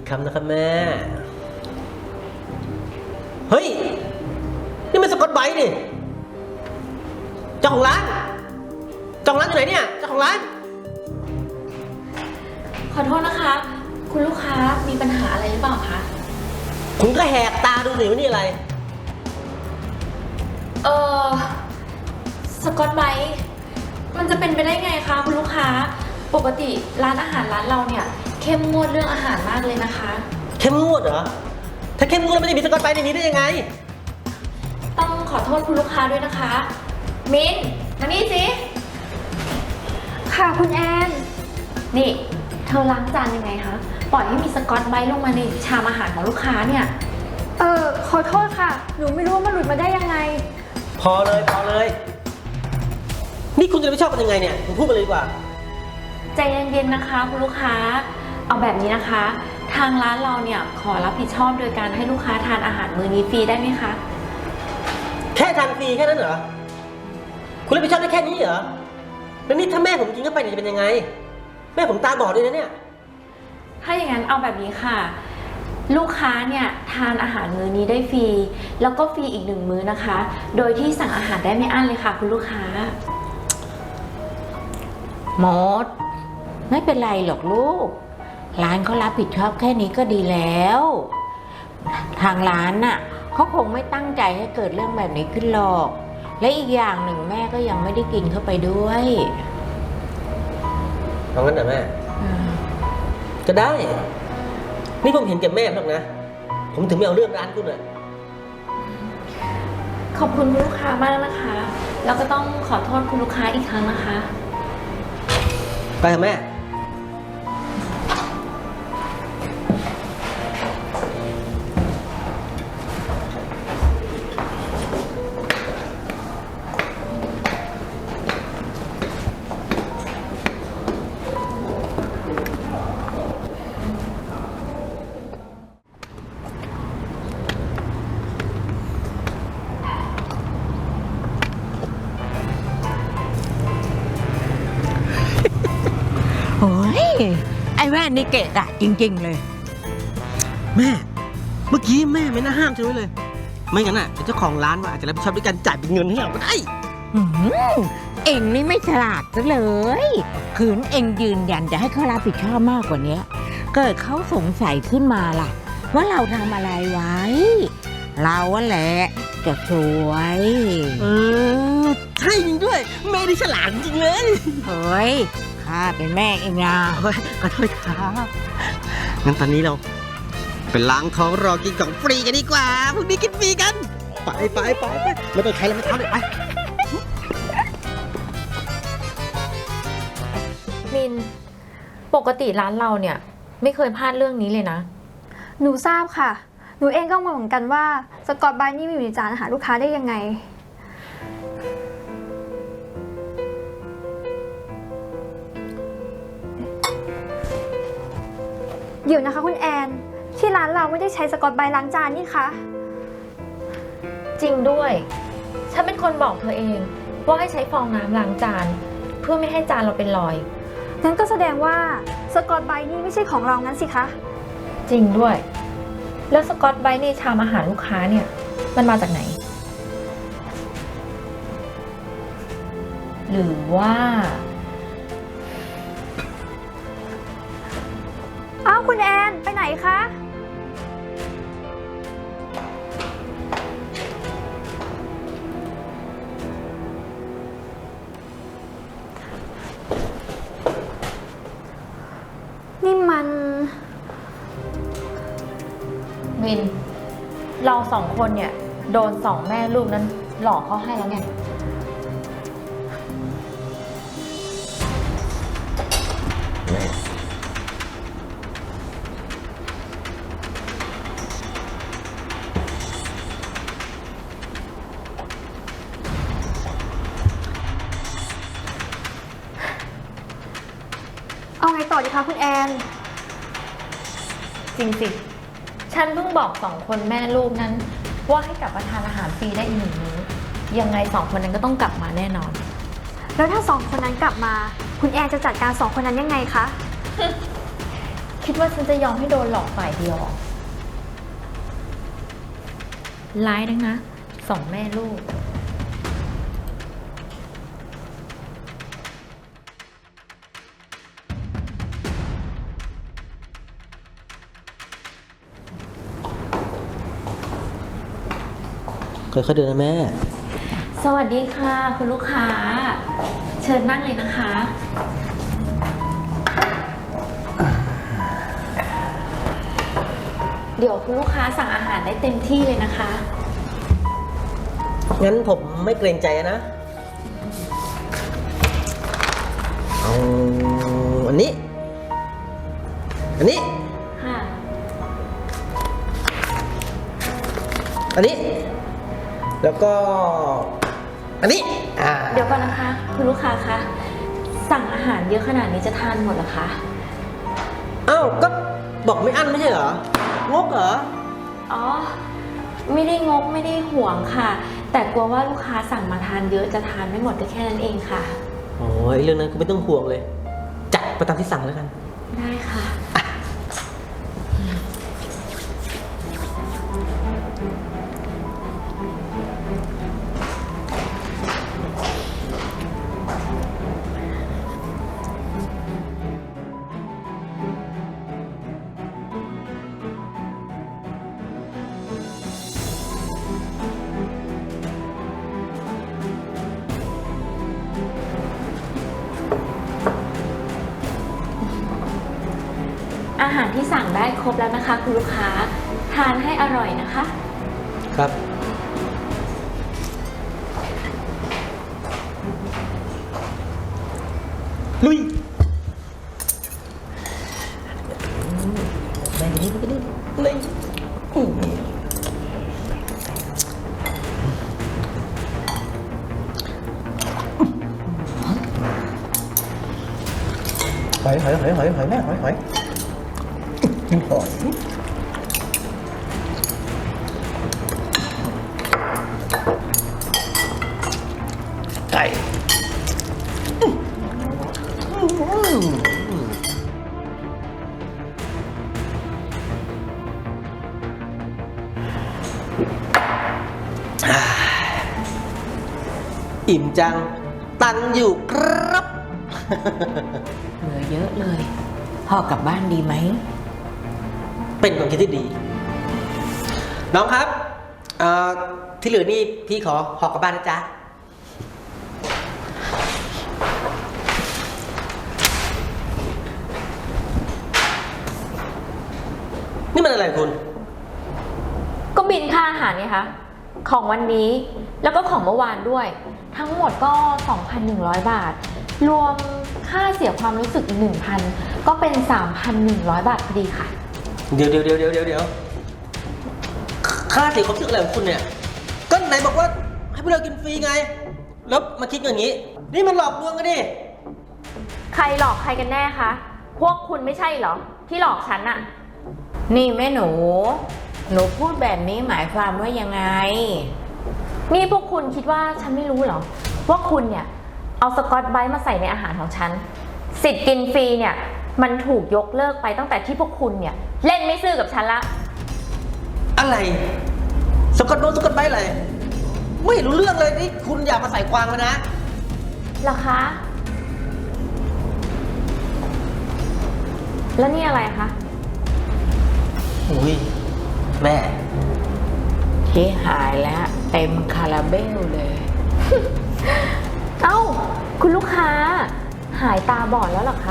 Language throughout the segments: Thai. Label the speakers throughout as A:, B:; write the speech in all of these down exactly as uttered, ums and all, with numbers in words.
A: คำนะครับแม่เฮ้ยนี่มันสกอตไบรท์นี่เจ้าของร้านเจ้าของร้านอยู่ไหนเนี่ยเจ้าของร้าน
B: ขอโทษนะคะคุณลูกค้ามีปัญหาอะไรหรือเปล่าคะ
A: คุณก็แหกตาดูสิว่านี่อะไร
B: เออสกอตไบรท์มันจะเป็นไปได้ไงคะคุณลูกค้าปกติร้านอาหารร้านเราเนี่ยเข้มงวดเรื่องอาหารมากเลยนะคะ
A: เข้มงวดเหรอถ้าเข้มงวดแล้วมันจะมีสกอตไบรท์ในนี้ได้ยังไง
B: ต้องขอโทษคุณลูกค้าด้วยนะคะมินมานี่สิ
C: ค่ะคุณแอน
B: นี่เธอล้างจานยังไงคะปล่อยให้มีสกอตไบรท์ลงมาในชามอาหารของลูกค้าเนี่ย
C: เออขอโทษค่ะหนูไม่รู้ว่ามันหลุดมาได้ยังไง
A: พอเลยพอเลยนี่คุณจะไม่ชอบกันยังไงเนี่ยผมพูดไปเลยดีกว่า
B: ใจเย็นๆนะคะคุณลูกค้าเอาแบบนี้นะคะทางร้านเราเนี่ยขอรับผิดชอบโดยการให้ลูกค้าทานอาหารมื้อนี้ฟรีได้ไหมคะ
A: แค่ทานฟรีแค่นั้นเหรอคุณรับผิดชอบได้แค่นี้เหรอแล้วนี่ถ้าแม่ผมกินเข้าไปจะเป็นยังไงแม่ผมตาบอดด้วยนะเนี่ย
B: ถ้าอย่างนั้นเอาแบบนี้ค่ะลูกค้าเนี่ยทานอาหารมื้อนี้ได้ฟรีแล้วก็ฟรีอีกหนึ่งมื้อนะคะโดยที่สั่งอาหารได้ไม่อั้นเลยค่ะคุณลูกค้าม
D: ดไม่เป็นไรหรอกลูกร้านเขารับผิดชอบแค่นี้ก็ดีแล้วทางร้านน่ะเขาคงไม่ตั้งใจให้เกิดเรื่องแบบนี้ขึ้นหรอกและอีกอย่างหนึ่งแม่ก็ยังไม่ได้กินเข้าไปด้วย
A: เอางั้นเหรอแม่ก็ได้นี่ผมเห็นแก่แม่หรอกนะผมถึงไม่เอาเรื่องร้านคุณอ่ะ
B: ขอบคุณลูกค้ามากนะคะแล้วก็ต้องขอโทษคุณลูกค้าอีกครั้งนะคะ
A: ไปเถอะแม่
D: โอ้ยไอ้แว่นนี่เกะกะจริงๆเลย
A: แม่เมื่อกี้แม่ไม่น่าห้ามฉันไว้เลยไม่งั้นอ่ะเจ้าของร้านว่าอาจจะรับผิดชอบด้วยการจ่ายเป็นเงินให้เราก็ได้
D: เอ็งนี่ไม่ฉลาดซะเลยขืนเอ็งยืนยันจะให้เขารับผิดชอบมากกว่านี้เกิดเขาสงสัยขึ้นมาล่ะว่าเราทำอะไรไว้เราอะแหละจะสวย
A: เออใช่จริงด้วยแม่นี่ฉลาดจริงเลย
D: เฮ้ยข้าเป็นแม่เองนะ
A: ขอโทษครับงั้นตอนนี้เราไปล้างท้องรอกินของฟรีกันดีกว่าพรุ่งนี้กินฟรีกันไปไปไปไปไม่ต้องใครแล้วไม่ท้าเลยไป
B: มินปกติร้านเราเนี่ยไม่เคยพลาดเรื่องนี้เลยนะ
C: หนูทราบค่ะหนูเองก็งงเหมือนกันว่าสกอตไบรท์นี่มีอยู่ในจานอาหารลูกค้าได้ยังไงเดี๋ยวนะคะคุณแอนที่ร้านเราไม่ได้ใช้สกอตไบรท์ล้างจานนี่คะ
B: จริงด้วยฉันเป็นคนบอกเธอเองว่าให้ใช้ฟองน้ำล้างจานเพื่อไม่ให้จานเราเป็นรอย
C: งั้นก็แสดงว่าสกอตไบรท์นี่ไม่ใช่ของเรางั้นสิคะ
B: จริงด้วยแล้วสกอตไบรท์ในชามอาหารลูกค้าเนี่ยมันมาจากไหนหรือว่า
C: อ้าวคุณแอนไปไหนคะนี่มัน
B: มินเราสองคนเนี่ยโดนสองแม่ลูกนั้นหลอกเขาให้แล้วไง
C: เอาไงต่อดีคะคุณแอน
B: จริงสิฉันเพิ่งบอกสองคนแม่ลูกนั้นว่าให้กลับมาทานอาหารฟรีได้อีกหนึ่งมื้อยังไงสองคนนั้นก็ต้องกลับมาแน่นอน
C: แล้วถ้าสองคนนั้นกลับมาคุณแอนจะจัดการสองคนนั้นยังไงคะ
B: คิดว่าฉันจะยอมให้โดนหลอกฝ่ายเดียวเหรอร้ายนักนะสองแม่ลูก
A: ค่อยๆเดินนะแม่
B: สวัสดีค่ะคุณลูกค้า เชิญนั่งเลยนะคะ เดี๋ยวคุณลูกค้าสั่งอาหารได้เต็มที่เลยนะคะ
A: งั้นผมไม่เกรงใจนะ เอาอันนี้ อันนี้
B: ค่ะ
A: อันนี้ แล้วก็ อันนี้ อ่า
B: เดี๋ยวก่อนนะคะ คุณลูกค้าคะสั่งอาหารเยอะขนาดนี้จะทานหมดเหรอคะ
A: อ้าว ก็บอกไม่อั้นไม่ใช่เหรอ งกเหรอ
B: อ๋อ ไม่ได้งกไม่ได้ห่วงค่ะ แต่กลัวว่าลูกค้าสั่งมาทานเยอะจะทานไม่หมดก็แค่นั้นเองค่ะ
A: โอ้ยเรื่องนั้นคุณไม่ต้องห่วงเลย จัดไปตามที่สั่งแล้วกัน
B: ได้ค่ะ อาหารที่สั่งได้ครบแล้วนะคะคุณลูกค้าทานให้อร่อยนะคะ
A: ครับ ลุยได้กันนี่ได้กันนี่เลยหอยหอยหอยหอยหอยแม่หอยหอยหอยไก่อิ่มจัง ตังอยู่ครับ
D: เหลือเยอะเลยพ่อกลับบ้านดีไหม
A: เป็นความคิดที่ดี น้องครับเอ่อที่เหลือนี่พี่ขอหอกกลับบ้านนะจ๊ะ นี่มันอะไรคุณ
B: ก็บินค่าอาหารไงคะของวันนี้แล้วก็ของเมื่อวานด้วย ทั้งหมดก็ สองพันหนึ่งร้อย บาท รวมค่าเสียความรู้สึกอีก หนึ่งพัน ก็เป็น สามพันหนึ่งร้อย บาทพอดีค่ะ
A: เดี๋ยวเดี๋ยวเดี๋ยวเดี๋ยวเดี๋ยวเดี๋ยวค่าเสียความรู้สึกอะไรของคุณเนี่ย ก็ไหนบอกว่าให้พวกเรากินฟรีไง แล้วมาคิดอย่างนี้ นี่มันหลอกลวงกันดิ
B: ใครหลอกใครกันแน่คะ พวกคุณไม่ใช่เหรอ ที่หลอกฉันอะ
D: นี่แม่หนู หนูพูดแบบนี้หมายความว่ายังไง
B: นี่พวกคุณคิดว่าฉันไม่รู้เหรอ ว่าคุณเนี่ยเอาสกอตไบรท์มาใส่ในอาหารของฉัน สิทธิ์กินฟรีเนี่ยมันถูกยกเลิกไปตั้งแต่ที่พวกคุณเนี่ยเล่นไม่ซื่อกับฉันละ
A: อะไร สกอตโดนสกอตไบรท์อะไร ไม่รู้เรื่องเลยนี่คุณอย่ามาใส่ความกันนะ
B: เหรอคะ แล้วนี่อะไรคะ
A: อุ้ยแม่
D: ที่หายแล้วเต็มคาราเบลเลย
B: เอ้า คุณลูกค้า หายตาบอดแล้วเหรอคะ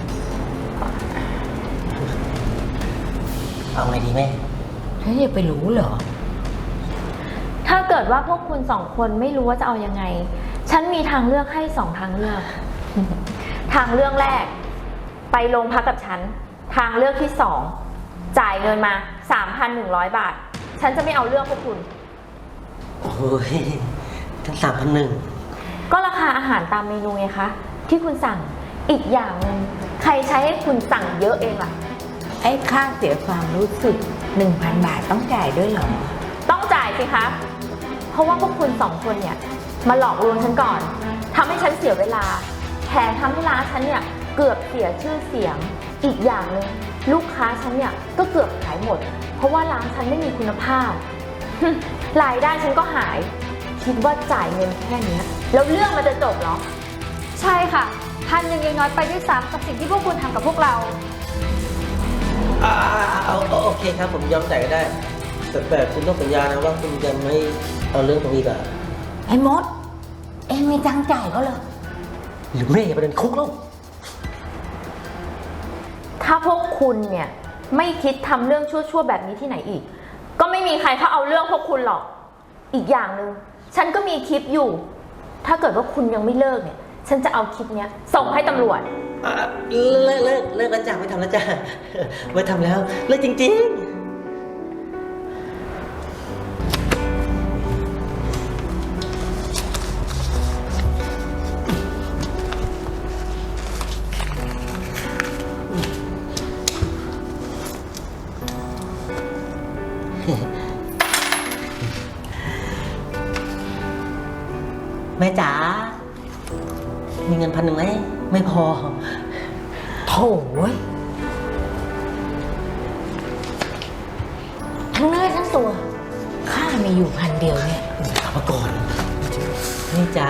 A: เอาไงดีแม่
D: ฉันจะไปรู้เหรอ
B: ถ้าเกิดว่าพวกคุณสองคนไม่รู้ว่าจะเอายังไง ฉันมีทางเลือกให้สองทางเลือก ทางเลือกแรก ไปโรงพักกับฉัน ทางเลือกที่สอง จ่ายเงินมา สามพันหนึ่งร้อย บาท ฉันจะไม่เอาเรื่องพวกคุณ
A: โอ้ยทั้งสามพันหนึ่ง
B: ก็ราคาอาหารตามเมนูไงคะ ที่คุณสั่ง อีกอย่างหนึ่งใครใช้ให้คุณสั่งเยอะเองล่ะ
D: ไอ้ค่าเสียความรู้สึก หนึ่งพัน บาทต้องจ่ายด้วยเหรอ
B: ต้องจ่ายสิคะ เพราะว่าพวกคุณสองคนเนี่ยมาหลอกลวงฉันก่อนทำให้ฉันเสียเวลาแถมทำให้ร้านฉันเนี่ยเกือบเสียชื่อเสียง อีกอย่างหนึ่งลูกค้าฉันเนี่ยก็เกือบขายหมด เพราะว่าร้านฉันไม่มีคุณภาพ รายได้ฉันก็หาย คิดว่าจ่ายเงินแค่นี้แล้วเรื่องมันจะจบเหรอ
C: ใช่ค่ะพันหนึ่งยังน้อยไปด้วยซ้ำกับสิ่งที่พวกคุณทำกับพวกเรา
A: อ่าเอาเอาโอเคครับผมยอมจ่ายก็ได้ แต่แต่คุณต้องสัญญานะว่าคุณจะไม่เอาเรื่องตรงนี้กับ
D: ไอ้มด เองมีตังค์จ่ายเขาเลย
A: หรือไม่ประเด็นคุกแล้ว
B: ถ้าพวกคุณเนี่ยไม่คิดทำเรื่องชั่วๆแบบนี้ที่ไหนอีก ก็ไม่มีใครเขาเอาเรื่องพวกคุณหรอก อีกอย่างหนึ่งฉันก็มีคลิปอยู่ ถ้าเกิดว่าคุณยังไม่เลิกเนี่ย ฉันจะเอาคลิปเนี้ยส่งให้ตำรวจ
A: อ่ะเลิกเลิกเลิกแล้วจ้ะไม่ทำแล้วจ้ะไม่ทำแล้วเลิกจริงๆ แม่จ๋ามีเงินพันหนึ่งไหมไม่พอ
D: โถ่เว้ยทั้งเนื้อทั้งตัวข้ามีอยู่พันเดียวเนี่ย
A: กลับมาก่อนนี่จ้า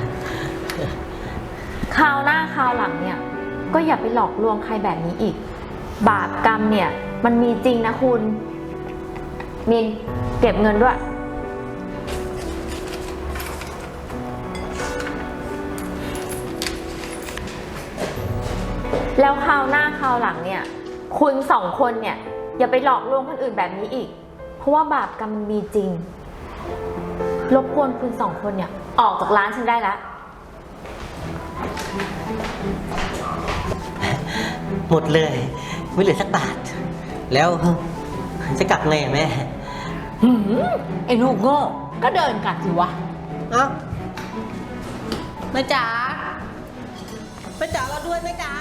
B: คราวหน้าคราวหลังเนี่ยก็อย่าไปหลอกลวงใครแบบนี้อีก บาปกรรมเนี่ยมันมีจริงนะคุณมินเก็บเงินด้วย แล้วคราวหน้าคราวหลังเนี่ยคุณสองคนเนี่ยอย่าไปหลอกลวงคนอื่นแบบนี้อีก เพราะว่าบาปกรรมมันมีจริงรบกวนคุณสองคนเนี่ยออกจากร้านฉันได้แล้ว
A: หมดเลย ไม่เหลือสักบาท แล้วจะกลับไงอะแม่
D: หืมไอ้ลูกโง่ก็เดินกลับสิวะ
A: เอ้าแม่จ๋าแม่จ๋าเราด้วยแม่จ๋า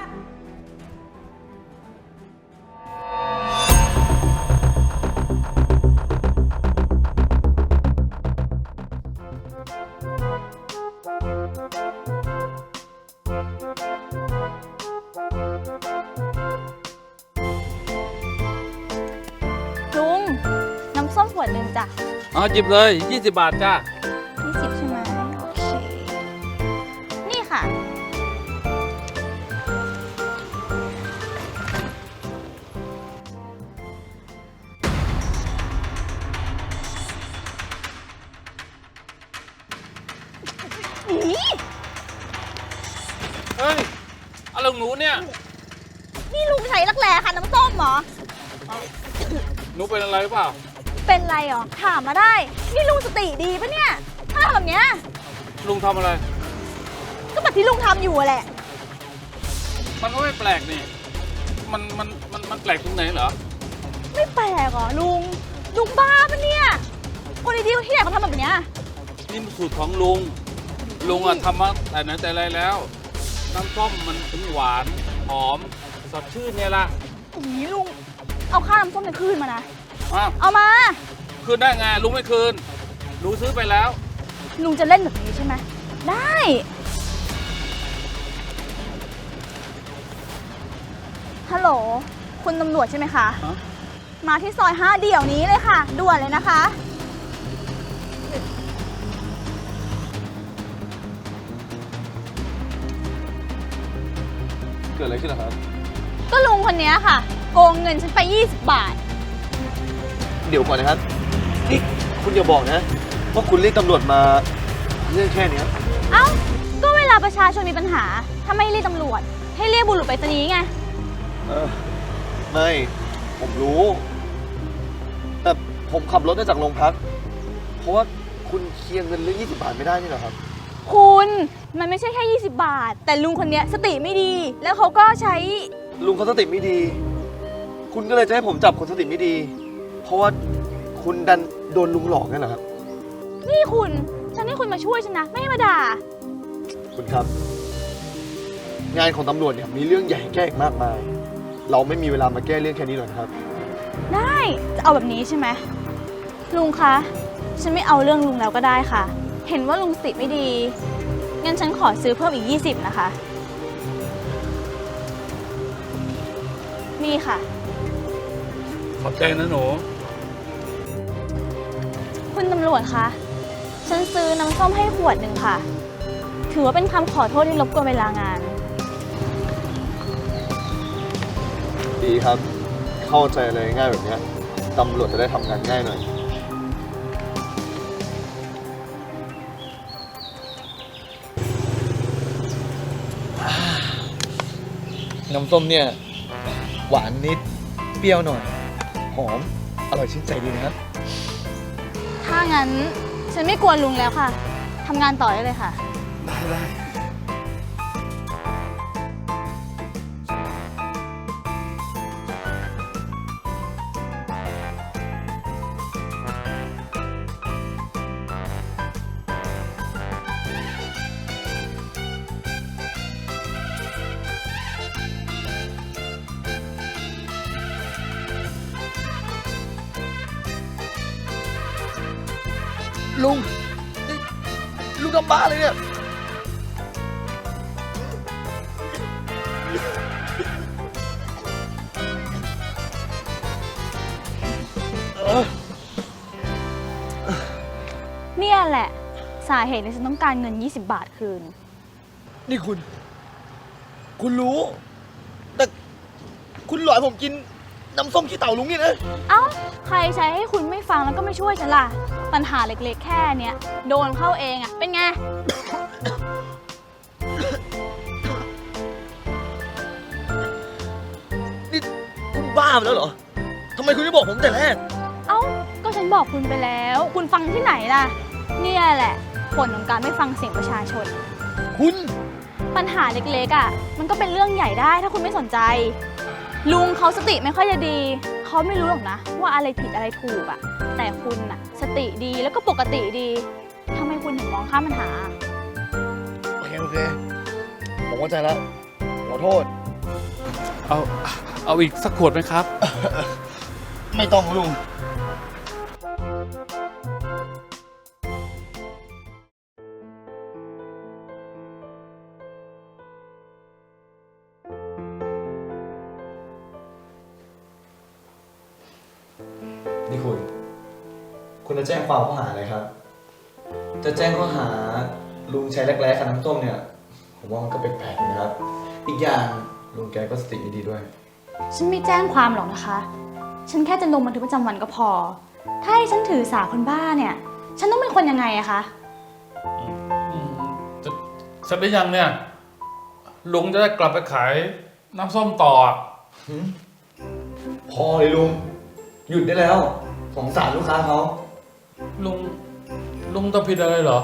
C: ลุง น้ำส้มขวดหนึ่งจ้ะ
E: อ๋อหยิบเลยยี่สิบบาทจ้า
C: ยี่สิบใช่ไหมโอเค นี่ค่ะ
E: เฮ้ยอะไรของหนูเนี่ย
C: นี่ลุงใช้รักแร้ค่ะน้ำส้มเหรอ
E: หนูเป็นอะไรหรือเปล่า
C: เป็นไรหรอ ถามมาได้ นี่ลุงสติดีปะเนี่ย ถ้าทำแบบเนี้ย
E: ลุงทำอะไร
C: ก็แบบที่ลุงทำอยู่อะแหละ
E: มันก็ไม่แปลกนี่ มันมันมันมันแปลกตรงไหนเหรอ
C: ไม่แปลกเหรอลุง ลุงบ้าปะเนี่ย คนดีๆที่ไหนเขาทำแบบเนี้ย
E: นี่มันสูตรของลุง ลุงอะทำมาแต่ไหนแต่ไรแล้ว น้ำส้มมันถึงหวาน หอม สดชื่นเนี่ยล่ะ
C: อุ้ยลุง เอาค่าน้ำส้มในคืนมานะ
E: อ้าว
C: เอามา
E: คืนได้ไงลุงไม่คืน หนูซื้อไปแล้ว
C: ลุงจะเล่นแบบนี้ใช่ไหม ได้ ฮัลโหล คุณตำรวจใช่ไหมคะ
E: ฮะ
C: มาที่ซอยห้าเดี่ยวนี้เลยค่ะ ด่วนเลยนะคะ
E: เกิดอะไรขึ้นล่ะครับ
C: ก็ลุงคนนี้ค่ะ โกงเงินฉันไป ยี่สิบบาท
F: เดี๋ยวก่อนนะครับ นี่คุณอย่าบอกนะ ว่าคุณเรียกตำรวจมาเรื่องแค่เนี้ย
C: เอ้า ก็เวลาประชาชนมีปัญหา ถ้าไม่เรียกตำรวจ ให้เรียกบุรุษไปรษณีย์ไง
F: เออ ไม่ ผมรู้ แต่ผมขับรถมาจากโรงพัก เพราะว่าคุณเคลียร์เงินเรื่องยี่สิบบาทไม่ได้นี่เหรอครับ
C: คุณ มันไม่ใช่แค่ ยี่สิบบาท แต่ลุงคนเนี้ยสติไม่ดี แล้วเขาก็ใช้
F: ลุงเขาสติไม่ดี คุณก็เลยจะให้ผมจับคนสติไม่ดี เพราะว่าคุณดันโดนลุงหลอกนั่นเหรอครับ
C: นี่คุณ ฉันให้คุณมาช่วยฉันนะ ไม่ให้มาด่า
F: คุณครับ งานของตำรวจเนี่ยมีเรื่องใหญ่ให้แก้อีกมากมาย เราไม่มีเวลามาแก้เรื่องแค่นี้หรอกนะครับ
C: ได้ จะเอาแบบนี้ใช่ไหม ลุงคะ ฉันไม่เอาเรื่องลุงแล้วก็ได้ค่ะ เห็นว่าลุงสติไม่ดี งั้นฉันขอซื้อเพิ่มอีก ยี่สิบนะคะนี่ค่ะ
E: ขอบใจนะหนู
C: คุณตำรวจคะ ฉันซื้อน้ำส้มให้ขวดหนึ่งค่ะ ถือว่าเป็นคำขอโทษที่รบกวนเวลางาน
F: ดีครับ เข้าใจเลยง่ายแบบเนี้ยตำรวจจะได้ทำงานง่ายหน่อย น้ำส้มเนี่ย หวานนิด เปรี้ยวหน่อย หอม อร่อยชื่นใจดีนะครับ
C: ถ้างั้นฉันไม่กวนลุงแล้วค่ะ ทำงานต่อได้เลยค่ะ
F: ได้ได้ ลุงนี่ลุงทำบ้าเลยเนี่ย
C: เนี่ยแหละ สาเหตุที่ฉันต้องการเงิน ยี่สิบบาทคืน
F: นี่คุณ คุณรู้ แต่คุณหลอกให้ผมกินน้ำส้มขี้เต่าลุงนี่นะ
C: เอ้า ใครใช้ให้คุณไม่ฟังแล้วก็ไม่ช่วยฉันล่ะ ปัญหาเล็กๆแค่เนี้ยโดนเข้าเองอะเป็นไง
F: นี่คุณบ้าไปแล้วเหรอ ทำไมคุณไม่บอกผมแต่แรก
C: เอ้า ก็ฉันบอกคุณไปแล้ว คุณฟังที่ไหนล่ะ เนี่ยแหละผลของการไม่ฟังเสียงประชาชน
F: คุณ
C: ปัญหาเล็กๆอ่ะ มันก็เป็นเรื่องใหญ่ได้ถ้าคุณไม่สนใจ ลุงเขาสติไม่ค่อยจะดี เขาไม่รู้หรอกนะ ว่าอะไรผิดอะไรถูกอ่ะ แต่คุณอ่ะ สติดีแล้วก็ปกติดีทำไมคุณถึงมองข้ามปัญหา
F: โอเค โอเค ผมเข้าใจแล้ว ขอโทษ
E: เอา เอาอีกสักขวดไหมครับ
F: ไม่ต้องลุง นี่คุณ คุณจะแจ้งความข้อหาอะไรครับ จะแจ้งข้อหาลุงใช้แรกๆคันน้ำส้มเนี่ย ผมว่ามันก็แปลกๆนะครับ อีกอย่างลุงแกก็สติไม่ดีด้วย
C: ฉันไม่แจ้งความหรอกนะคะ ฉันแค่จะลงบันทึกประจำวันก็พอ ถ้าให้ฉันถือสาคนบ้าเนี่ย ฉันต้องเป็นคนยังไงอะคะ
E: อืมจะเสร็จหรือยังเนี่ย ลุงจะได้กลับไปขายน้ำส้มต่ออะ
F: พอเลยลุง หยุดได้แล้ว สงสารลูกค้าเขา
E: ลุง ลุงต้องผิดอะไรเหรอ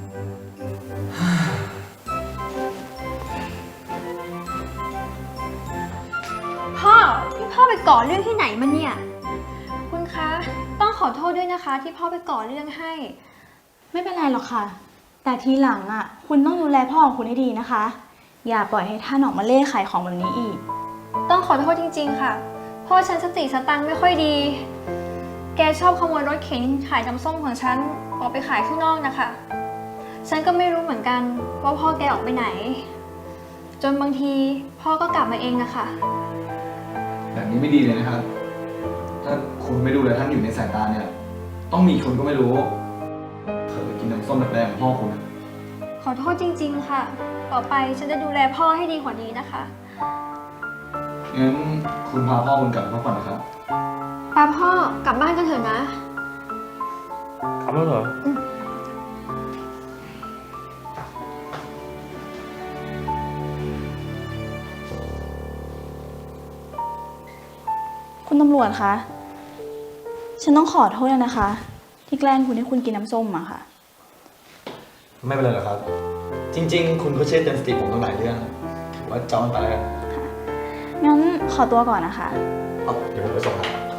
G: พ่อที่พ่อไปก่อเรื่องที่ไหนมาเนี่ย คุณคะ ต้องขอโทษด้วยนะคะ ที่พ่อไปก่อเรื่องให้
C: ไม่เป็นไรหรอกค่ะ แต่ทีหลังอ่ะ คุณต้องดูแลพ่อของคุณให้ดีนะคะ อย่าปล่อยให้ท่านออกมาเล่ขายของแบบนี้อีก
G: ต้องขอโทษจริงๆค่ะ พ่อฉันสติสตังค์ไม่ค่อยดี แกชอบขโมยรถเข็นขายน้ำส้มของฉันออกไปขายข้างนอกนะคะ ฉันก็ไม่รู้เหมือนกันว่าพ่อแกออกไปไหน จนบางทีพ่อก็กลับมาเองนะคะ
F: แบบนี้ไม่ดีเลยนะครับ ถ้าคุณไม่ดูแลท่านอยู่ในสายตาเนี่ย ต้องมีคนก็ไม่รู้เผลอกินน้ำส้มแบบแรงของพ่อคุณนะ
G: ขอโทษจริงๆค่ะ ต่อไปฉันจะดูแลพ่อให้ดีกว่านี้นะคะ
F: งั้นคุณพาพ่อคุณกลับพักผ่อนนะครับ
G: ป้าพ่อกลับบ้านกันเถอะนะ
E: กลับแล้วเหรอ
C: คุณตำรวจคะ ฉันต้องขอโทษนะคะ ที่แกล้งคุณให้คุณกินน้ำส้มอะค่ะ
F: ไม่เป็นไรหรอกครับ จริง ๆ คุณก็เชื่อเตือนสติผมตั้งหลายเรื่องถือว่าจอมไปแล้วกัน
C: งั้นขอตัวก่อนนะคะ
F: เอาเดี๋ยวผมไปส่งครับ